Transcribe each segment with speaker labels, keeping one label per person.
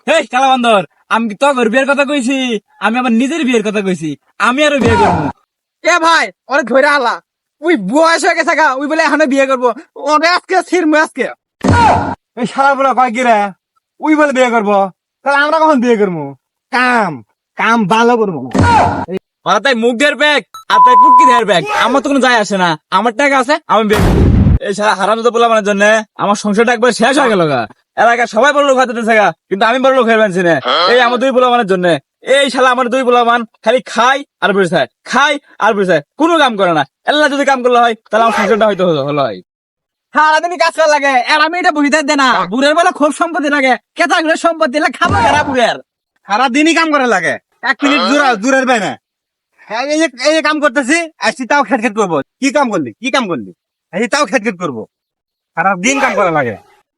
Speaker 1: এই কালা বান্দর, আমি কি তোর বিয়ের কথা কইছি? আমি আমার নিজের বিয়ের কথা কইছি। আমি আরো বিয়ে করবো।
Speaker 2: এ ভাই ওরে ধরে আলা, ওই বয়স হয়ে গেছে গা, ওই বলে এখানে বিয়ে করবো। ওরে আজকে ছিড়মু আজকে।
Speaker 3: এই শালা বলে কয় কি রে, উই বলে বিয়ে করবো, তাহলে আমরা কখন বিয়ে করবো? কাম কাম ভালো করবো।
Speaker 1: ওরা তাই মুখ দের ব্যাগ আর তাই পুটকি দের ব্যাগ, আমার তো কোনো যায় আসে না। আমার টাকা আছে, আমি বিয়ে করবো। এই সারা হারাম তো পোলাপানের জন্য আমার সংসারটা একবার শেষ হয়ে গেল গা। এলাকার সবাই বড় লোক হাতে গা, কিন্তু আমি বড় লোক হয়ে পারছি না। এই আমার দুই পোলাপানের জন্য। এই শালা আমার দুই পোলাপান খালি খাই আর বসে থাকে, খাই আর বসে থাকে, কোনো কাম করে না। এল্লা যদি কাম করলে হয় তাহলে আমার সংসারটা হয়তো হলো হয়।
Speaker 2: সারাদিনই কাজ করা লাগে, আর আমি এটা বুঝতে দে না। বুড়ের বেলা খুব সম্পত্তি লাগে, কেতা করে সম্পত্তি লাগে, খাবো কেনা বুড়ের।
Speaker 3: সারা দিনই কাম করা লাগে, 1 মিনিট দূরের পায় না। হ্যাঁ, এই যে কাম করতেছি, আসছি তাও খেট খেট করবো। কি কাম করলি? আসছি তাও খেট খেট করবো। সারা দিন কাম করা লাগে।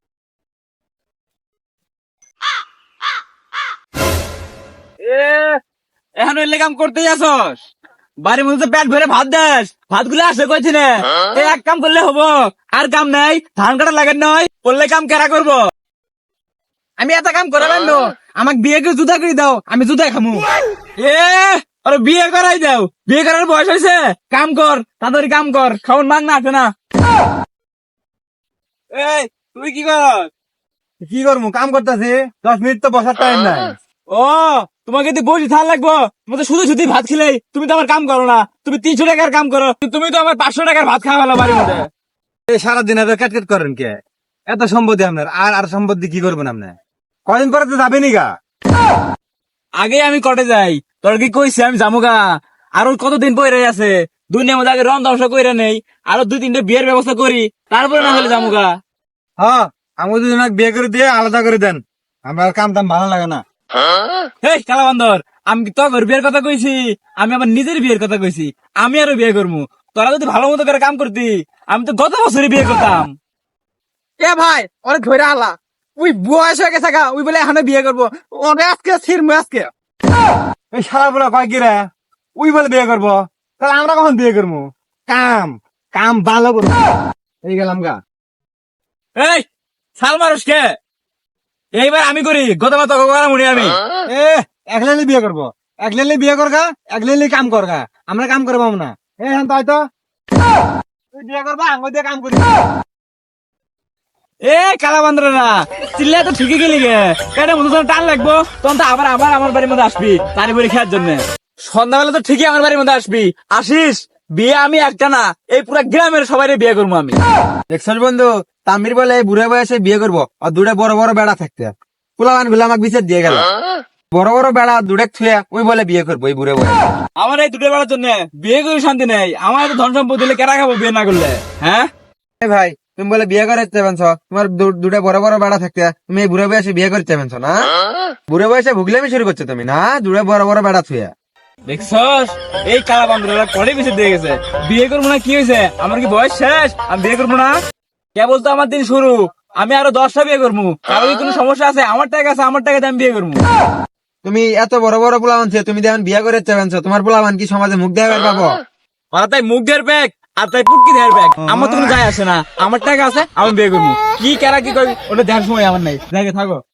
Speaker 1: এখন এলে কাম করতেই আসস, বাড়ির মধ্যে পেট ভরে ভাত দেস, ভাত গুলো আসে কইছি না। এই এক কাম করলে হবো, আর কাম নাই। ধান কাটা লাগে নয়, করলে কাম কেরা করবো?
Speaker 2: আমি এত কাম করে পারলো, আমাকে বিয়ে করে জুতা করে দাও, আমি জুতা খামু।
Speaker 1: এ আরে বিয়ে করাই দাও, বিয়ে করার বয়স হয়েছে। কাম কর, তাড়াতাড়ি কাম কর, খাওয়ান মান না আছে না। এই তুই কি কর?
Speaker 3: কি করবো? কাম করতেছি, 10 মিনিট তো বসার টাইম নাই।
Speaker 1: ও তোমাকে যদি বসে থাল লাগবো, তুমি তো শুধু শুধু ভাত খেলেই, তুমি তো আমার কাম করো না। তুমি 300 টাকার কাম করো, তুমি তো আমার 500 টাকার ভাত খাওয়া ভালো বাড়ির মধ্যে।
Speaker 3: এই সারাদিন এত ক্যাট ক্যাট করেন কে? এত সম্পত্তি আপনার, আর সম্পত্তি কি করবেন আপনি? কদিন পরে তো যাবেনি গা।
Speaker 1: আগে আমি কটে যাই, তোর কি কইছি আমি জামুগা। আরো কতদিন পরে আছে, দুনিয়ার মধ্যে আগে রং ধ্বংস করে নেই, আরো 2-3টা বিয়ের ব্যবস্থা করি, তারপরে না হলে জামুগা।
Speaker 3: হ্যাঁ, আমি দুজনকে বিয়ে করে দিয়ে আলাদা করে দেন, আমার কাম টাম ভালো লাগে না।
Speaker 1: এই কালা বান্দর, আমি কি তোর বিয়ের কথা কইছি? আমি আমার নিজের বিয়ের কথা কইছি। আমি আরো বিয়ে করবো। তোরা যদি ভালো মতো করে কাম করতি, আমি তো গত বছরই বিয়ে করতাম।
Speaker 2: এ ভাই ওরে ধরে আলা, ওই বয়স হয়ে গেছে গা, ওই বলে এখানে বিয়ে করবো। ওরে আজকে ছিড়মু আজকে।
Speaker 3: এই শালা বলে কয় কি রে, উই বলে বিয়ে করবো, তাহলে আমরা কখন বিয়ে করবো? কাম কাম ভালো করবো। এই গেলাম গা।
Speaker 1: এই সাল মানুষকে এইবার আমি করি, গতবার তোকে করা মনে আমি।
Speaker 3: এ একলেলি বিয়ে করবো, একলেলি বিয়ে করগা, একলেলি কাম করগা, আমরা কাম করবো না। এ হ্যাঁ তাই তো, তুই বিয়ে করবা, আঙ্গুল দিয়ে কাম করি।
Speaker 1: এ কালা বান্দরা, চিল্লা তো ঠিকই গেলি গে। কেন মতো টান লাগবো, তখন তো আবার আবার আমার বাড়ির মধ্যে আসবি তারি বাড়ি খেয়ার জন্য। সন্ধ্যাবেলা তো ঠিকই আমার বাড়ির মধ্যে আসবি। আসিস, বিয়ে আমি একটা না, এই পুরা গ্রামের সবাই বিয়ে করবো আমি।
Speaker 3: দেখছস বন্ধু, তামির বলে বুড়ে বয়সে বিয়ে করবো, আর দুটা বড় বড় বেড়া থাকতে, পোলাবান গুলো আমাকে বিচার দিয়ে গেল। বড় বড় বেড়া দুটা থুয়ে ওই বলে বিয়ে করবো এই বুড়ে বয়সে।
Speaker 1: আমার এই দুটো বেলার জন্য বিয়ে করে শান্তি নেই। আমার তো ধন সম্পদ দিলে কেনা খাবো বিয়ে না করলে? হ্যাঁ
Speaker 3: এই ভাই, তুমি বলে বিয়ে করে চাইবেনছ, তোমার দুটা বড় বড় বেড়া থাকতে তুমি এই বুড়ে বয়সে বিয়ে করে চাইবেনছ না? বুড়ে বয়সে ভুগলামি শুরু করছো তুমি না, দুটা বড় বড় বেড়া থুয়ে।
Speaker 1: দেখছস, এই কালা বান্দরা কড়ে বেশি দিয়ে গেছে। বিয়ে করবো না কি হয়েছে? আমার কি বয়স শেষ? আমি বিয়ে করবো না? কেবল তো আমার দিন শুরু, আমি আরো 10টা বিয়ে করবো। কারো কি কোনো সমস্যা আছে? আমার টাকা আছে, আমার টাকাতে আমি বিয়ে করবো।
Speaker 3: তুমি এত বড় বড় পোলাবান ছিল, তুমি যেমন বিয়ে করে চাইবেনছ, তোমার পোলাবান কি সমাজে মুখ দেখাবার পাবো?
Speaker 1: ওরা তাই মুখ দের ব্যাগ আর তাই পুটকি দের ব্যাগ, আমার তো কোনো যায় আসে না। আমার টাকা আছে, আমি বিয়ে করবো। কি কেরা কি করবি ওটা দেখার সময় আমার নাই, দেখে থাকো।